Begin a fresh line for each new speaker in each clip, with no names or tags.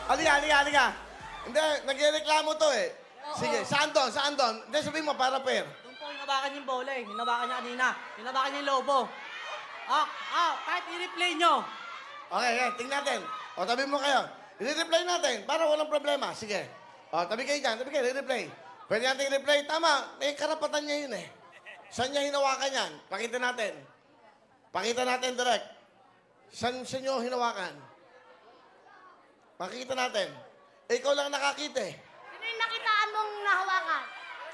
Halika. Hindi, nagreklamo to eh. Sige, saan doon? Hindi, sabihin mo, para pair.
Doon po, hinabakan yung bola eh. Hinabakan niya kanina. Hinabakan niya yung lobo. Kahit i-replay nyo.
Okay, tingnan natin. O, tabi mo kayo. I-replay natin para walang problema. Sige. O, tabi kayo dyan. I-replay. Pwede natin i-replay. Tama, may karapatan niya yun eh. Saan niya hinawakan yan? Pakita natin. Pakita natin direct. Saan niyo hinawakan? Pakita natin. Ikaw lang nakakita eh.
Sino yung nakitaan mong nahawakan?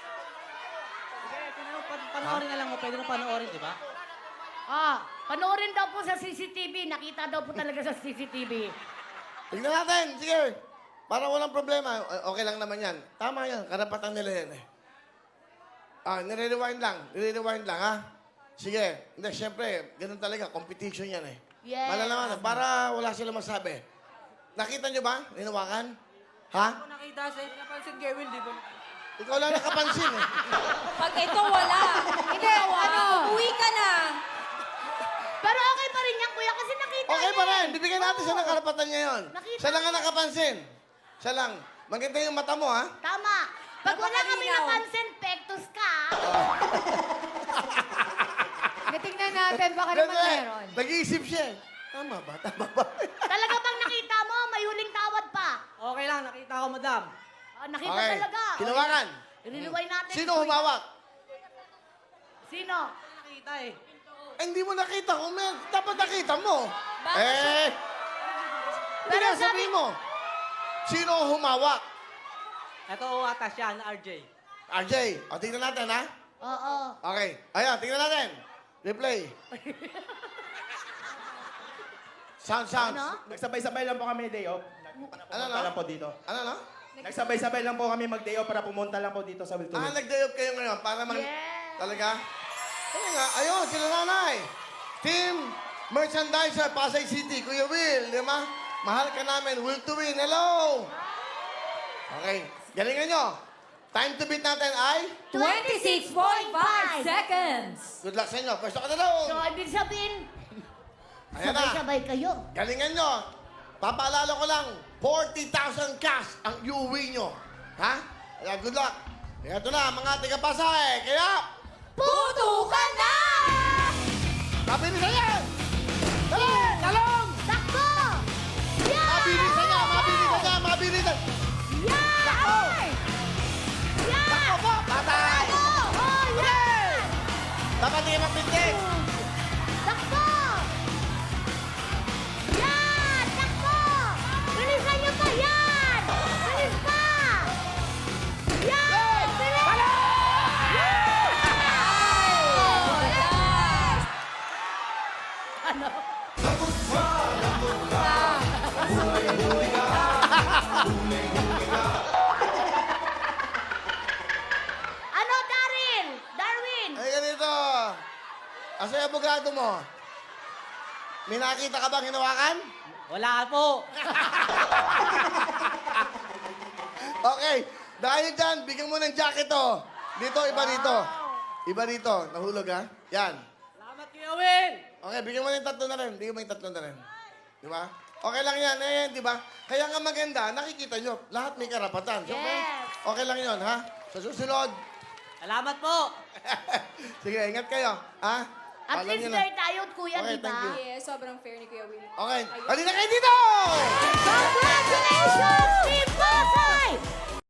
Panoorin na lang mo. Pwede mo panoorin, di ba?
Panoorin daw po sa CCTV. Nakita daw po talaga sa CCTV.
Tignan natin. Sige. Para walang problema. Okay lang naman yan. Tama yan. Karapatan nila yan eh. Nire-rewind lang, ha? Sige. Hindi, syempre, ganun talaga. Competition yan eh.
Yes.
Malalaman, para wala sila masabi. Nakita nyo ba? Hinawakan? Ha?
Ako nakita sa napansin kay Will, di ba?
Ikaw lang nakapansin eh.
Pag ito wala. Hindi, uwi ka na.
Pero okay pa rin yan, kuya, kasi nakita
Okay
niya
pa rin.
eh.
Bibigyan natin siya ng karapatan niya yun.
Nakita
Siya lang ang
niya.
nakapansin. Siya lang. Maganda yung mata mo, ha?
Tama. Pag wala kami
Napakalinaw.
napansin, pektos ka.
Tingnan natin, baka naman
Hindi.
meron.
Nag-iisip siya eh. Tama ba?
Talaga bang nakita mo, may huling tawad pa?
Okay lang, nakita ko, madam.
Nakita
Okay.
talaga.
Hinawakan.
Iriliway natin.
Sino humawak?
Sino?
Nakita eh.
Hindi mo nakita. Dapat nakita mo.
Bakit?
Hindi
Pero
nga
sabi-
sabihin mo. Sino ang humawak?
Ito ata siya, na RJ.
RJ, o tingnan natin, ha?
Oo.
Okay. Ayan, tingnan natin. Replay. Sounds.
Ano?
Nagsabay-sabay lang po kami day off. Pumunta
no?
lang po dito.
Ano?
Nagsabay-sabay lang po kami mag-day off para pumunta lang po dito sa Wilton.
Nag-day off kayo ngayon para
Yes.
Talaga? Kaya nga, ayun, sila nanay. Team Merchandiser, Pasay City. Kuya Will, di ba? Mahal ka namin. Will to win. Hello! Okay. Galingan nyo. Time to beat natin ay...
26.5 seconds.
Good luck sa inyo. Pwesto ka na daw.
So, ibig sabihin,
Ayan na.
sabay-sabay kayo.
Galingan nyo. Papaalala ko lang, 40,000 cash ang iuwi nyo. Ha? Kaya good luck. Kaya ito na, mga tiga-Pasay. Kaya,
Putukan na!
mabilisan yan! Dali! Talong!
Takbo! Yan!
Mabilisan yan!
Yan!
Takbo!
Yan!
Takbo po! Patay!
Takbo! Oh, yan!
Dapat hindi mapindig!
Takbo! Yan! Takbo! Bilisan niyo pa! Yan! Bilis pa! Yan! Bilis! Ano, Daryl? Darwin?
Ay, ganito. Asa yung abogado mo? May nakita ka bang hinawakan?
Wala po.
Okay. Dahil dyan, bigyan mo ng jacket to. Dito, iba dito. Iba dito. Nahulog, ha? Yan.
Salamat, Kuya Will.
Okay, bigyan mo ng tatlo na rin. Bigyan mo yung tatlo na rin. Di ba? Okay lang yan, di ba? Kaya nga maganda, nakikita nyo, lahat may karapatan. Siyempre,
Yes.
okay lang yun, ha? Sa susunod,
Salamat po.
sige, ingat kayo, ha?
At
Alam
least
nyo na.
fair tayo, kuya,
Okay,
di ba?
thank you.
Yes, sobrang fair ni Kuya Will.
Okay, halina kayo dito!
Congrats!